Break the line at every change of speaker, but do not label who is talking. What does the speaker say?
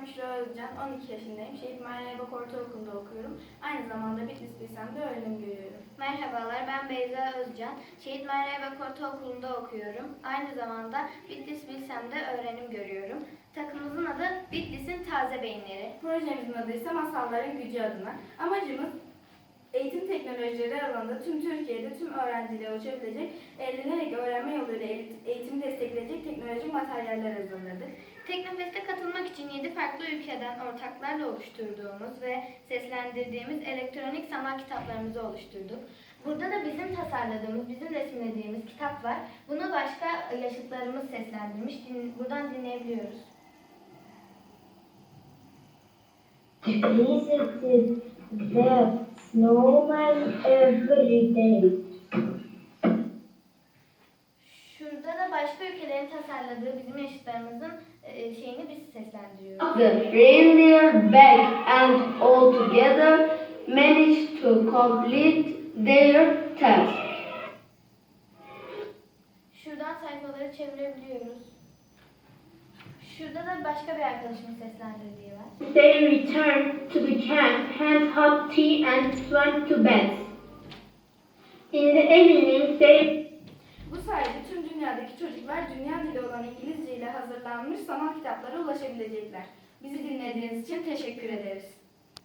Büşra Özcan, 12 yaşındayım. Şehit Mahir Erbak Ortaokulu'nda okuyorum. Aynı zamanda Bitlis Bilsem'de öğrenim görüyorum.
Merhabalar, ben Beyza Özcan. Şehit Mahir Erbak Ortaokulu'nda okuyorum. Aynı zamanda Bitlis Bilsem'de öğrenim görüyorum. Takımımızın adı Bitlis'in Taze Beyinleri.
Projemizin adı ise Masalların Gücü adına. Amacımız eğitim teknolojileri alanında tüm Türkiye'de tüm öğrenciliğe ulaşabilecek, eğlenerek öğrenme yoluyla eğitimi destekleyecek teknolojik materyaller hazırladık.
Teknofest'e katılmak için 7 farklı ülkeden ortaklarla oluşturduğumuz ve seslendirdiğimiz elektronik sanat kitaplarımızı oluşturduk. Burada da bizim tasarladığımız, bizim resimlediğimiz kitap var. Bunu başka yaşıtlarımız seslendirmiş. Buradan dinleyebiliyoruz.
Visited the snowman every day.
Şurada da başka ülkelerin tasarladığı bizim yaşıtlarımızın şeyini biz seslendiriyoruz.
The reindeer back and all together managed to complete their task.
Şuradan sayfaları çevirebiliyoruz. Şurada da başka bir arkadaşımın seslendirdiği var.
They returned to the camp, had hot tea and went to bed. In the evening they
Bu sayede tüm dünyadaki çocuklar dünya dili olan İngilizce ile hazırlanmış sanat kitaplara ulaşabilecekler. Bizi dinlediğiniz için teşekkür ederiz.